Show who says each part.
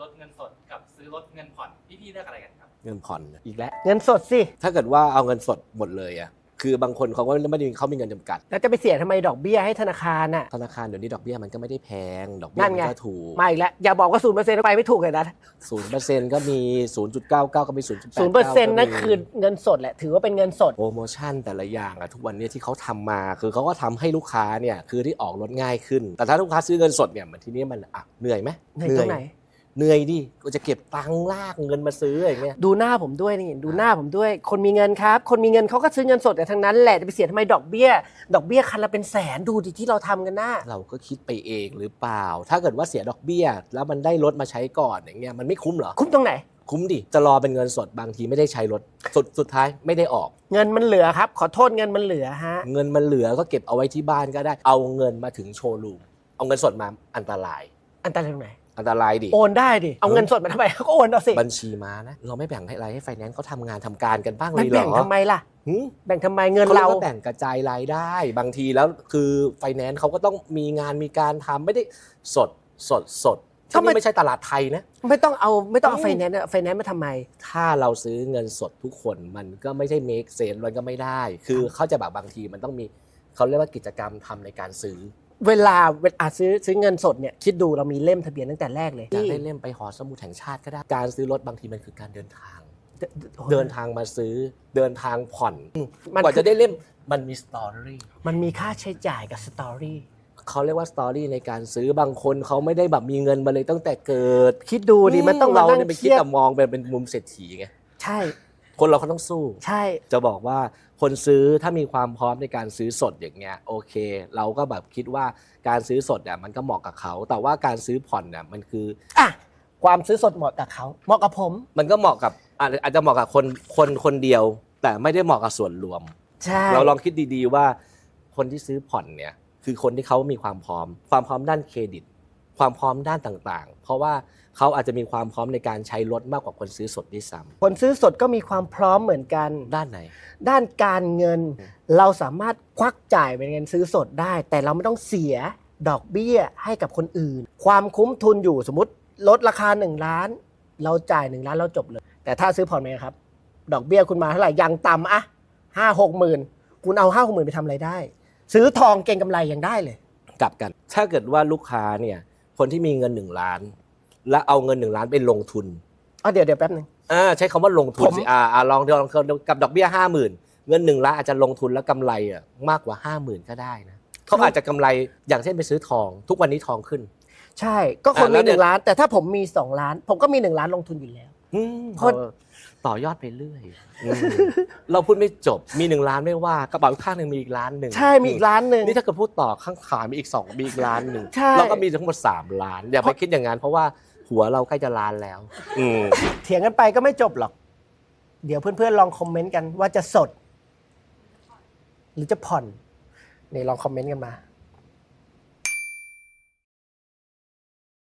Speaker 1: รถเงินสดกับซื้อรถเงินผ่อนพี่เลือกอะไรกันครับ
Speaker 2: เงินผ่อนอีกแล้ว
Speaker 3: เงินสดสิ
Speaker 2: ถ้าเกิดว่าเอาเงินสดหมดเลยอะคือบางคนเขาก็ไม่ได้เขามีเงินจำกัด
Speaker 3: แล้วจะไปเสียทำไมดอกเบี้ยให้ธนาคารน่ะ
Speaker 2: ธนาคารเดี๋ยวนี้ดอกเบี้ยมันก็ไม่ได้แพงดอกเบี้ยมันก็ถูก
Speaker 3: มาอีกแล้วอย่าบอกว่า0%ไปไม่ถูกเลยนะ
Speaker 2: 0%ก็มี 0.99 ก็มี 0.89
Speaker 3: นั่นคือเงินสดแหละถือว่าเป็นเงินสด
Speaker 2: โปรโมชั่นแต่ละอย่างอะทุกวันนี้ที่เขาทำมาคือเขาก็ทำให้ลูกค้าเนี่ยคือที่ออกรถง่ายขึ้นแต่ถ้าลูกค้าซื้อเงินสดเนี่ยมันทีนี้มันเหนื่อยไหม
Speaker 3: เหนื่อยตรงไหน
Speaker 2: เหนื่อยดิก็จะเก็บตังค์ลากเงินมาซื้ออย่างเงี้ย
Speaker 3: ดูหน้าผมด้วยนี่ดูหน้าผมด้วยคนมีเงินครับคนมีเงินเขาก็ซื้อเงินสดแต่ทั้งนั้นแหละจะไปเสียทำไมดอกเบี้ยคันละเป็นแสนดูดิที่เราทำกันนะ
Speaker 2: เราก็คิดไปเองหรือเปล่าถ้าเกิดว่าเสียดอกเบี้ยแล้วมันได้รถมาใช้ก่อนอย่างเงี้ยมันไม่คุ้มเหรอ
Speaker 3: คุ้มตรงไหน
Speaker 2: คุ้มดิจะรอเป็นเงินสดบางทีไม่ได้ใช้รถสุดท้ายไม่ได้ออก
Speaker 3: เงินมันเหลือครับขอโทษเงินมันเหลือฮะ
Speaker 2: เงินมันเหลือก็เก็บเอาไว้ที่บ้านก็ได้เอาเงินมาถึงโชว์รูมเอาเงินสดมาอันตราย
Speaker 3: ตรงไหน
Speaker 2: อันตรายดิ
Speaker 3: โอนได้ดิเอาเงินสดมาทำไมก็โอนเอาสิ
Speaker 2: บัญชีมานะเราไม่แบ่งให้อะไรให้ไฟแนนซ์เขาทำงานทำการกันบ้างเลยเหรอ
Speaker 3: แบ่งทำไมล่ะแบ่งทำไมเงินเรา
Speaker 2: แบ่งกระจายรายได้บางทีแล้วคือไฟแนนซ์เขาก็ต้องมีงานมีการทำไม่ได้สดที่นี่ไม่ใช่ตลาดไทยนะ
Speaker 3: ไม่ต้องเอาไฟแนนซ์มาทำไม
Speaker 2: ถ้าเราซื้อเงินสดทุกคนมันก็ไม่ใช่ make sense มันก็ไม่ได้คือเขาจะแบบบางทีมันต้องมีเขาเรียกว่ากิจกรรมทำในการซื้อ
Speaker 3: เวลาซื้อเงินสดเนี่ยคิดดูเรามีเล่มทะเบียนตั้งแต่แรกเลย
Speaker 2: อยากได้เล่มไปหอสมุดแห่งชาติก็ได้การซื้อรถบางทีมันคือการเดินทางมาซื้อเดินทางผ่อนกว่าจะได้เล่มมันมีสตอรี่
Speaker 3: มันมีค่าใช้จ่ายกับสตอรี่
Speaker 2: เขาเรียกว่าสตอรี่ในการซื้อบางคนเขาไม่ได้แบบมีเงินมาเลยตั้งแต่เกิด
Speaker 3: คิดดูดิมันต้อง
Speaker 2: เราเนี่ยไปคิดแต่มองเป็นมุมเศรษฐีไง
Speaker 3: ใช่
Speaker 2: คนเราเขาต้องสู้
Speaker 3: ใช่
Speaker 2: จะบอกว่าคนซื้อถ้ามีความพร้อมในการซื้อสดอย่างเงี้ยโอเคเราก็แบบคิดว่าการซื้อสดเนี่ยมันก็เหมาะกับเขาแต่ว่าการซื้อผ่อนเนี่ยมันคือ
Speaker 3: ความซื้อสดเหมาะกับเขาเหมาะกับผม
Speaker 2: มันก็เหมาะกับอาจจะเหมาะกับคนเดียวแต่ไม่ได้เหมาะกับส่วนรวม
Speaker 3: ใช่
Speaker 2: เราลองคิดดีๆว่าคนที่ซื้อผ่อนเนี่ยคือคนที่เขามีความพร้อมด้านเครดิตความพร้อมด้านต่างๆเพราะว่าเขาอาจจะมีความพร้อมในการใช้รถมากกว่าคนซื้อสดด้วยซ้ำ
Speaker 3: คนซื้อสดก็มีความพร้อมเหมือนกัน
Speaker 2: ด้านไหน
Speaker 3: ด้านการเงินเราสามารถควักจ่ายเป็นเงินซื้อสดได้แต่เราไม่ต้องเสียดอกเบี้ยให้กับคนอื่นความคุ้มทุนอยู่สมมติลดราคา1 ล้านเราจ่าย1 ล้านเราจบเลยแต่ถ้าซื้อผ่อนไหมครับดอกเบี้ยคุณมาเท่าไหร่ยังต่ำ5-6 หมื่นคุณเอา5-6 หมื่นไปทำอะไรได้ซื้อทองเก็งกำไรยังได้เลย
Speaker 2: กลับกันถ้าเกิดว่าลูกค้าเนี่ยคนที่มีเงิน1 ล้านและเอาเงิน1 ล้านไปลงทุน
Speaker 3: เดี๋ยวแป๊บนึง
Speaker 2: ใช้คำว่าลงทุนสิลองกับดอกเบี้ย 50,000 เงิน1 ล้านอาจจะลงทุนแล้วกำไรมากกว่า 50,000 ก็ได้นะเขาอาจจะกำไรอย่างเช่นไปซื้อทองทุกวันนี้ทองขึ้น
Speaker 3: ใช่ก็คนมี1 ล้านแต่ถ้าผมมี2 ล้านผมก็มี1 ล้านลงทุนอยู่แล้ว
Speaker 2: ต่อยอดไปเรื่อยเราพูดไม่จบมี1 ล้านไม่ว่ากระเป๋าข้างนึงมีอีก1 ล้าน
Speaker 3: ใช่มีอีก1 ล้าน
Speaker 2: นี่ถ้าเกิดพูดต่อข้างขามีอีก2มีอีก1 ล้านเราก็มีทั้งหมด3 ล้านอย่าไปคิดอย่างนั้นเพราะว่าหัวเราใกล้จะล้านแล้ว
Speaker 3: เถียงกันไปก็ไม่จบหรอกเดี๋ยวเพื่อนๆลองคอมเมนต์กันว่าจะสดหรือจะผ่อนนี่ลองคอมเมนต์กันมา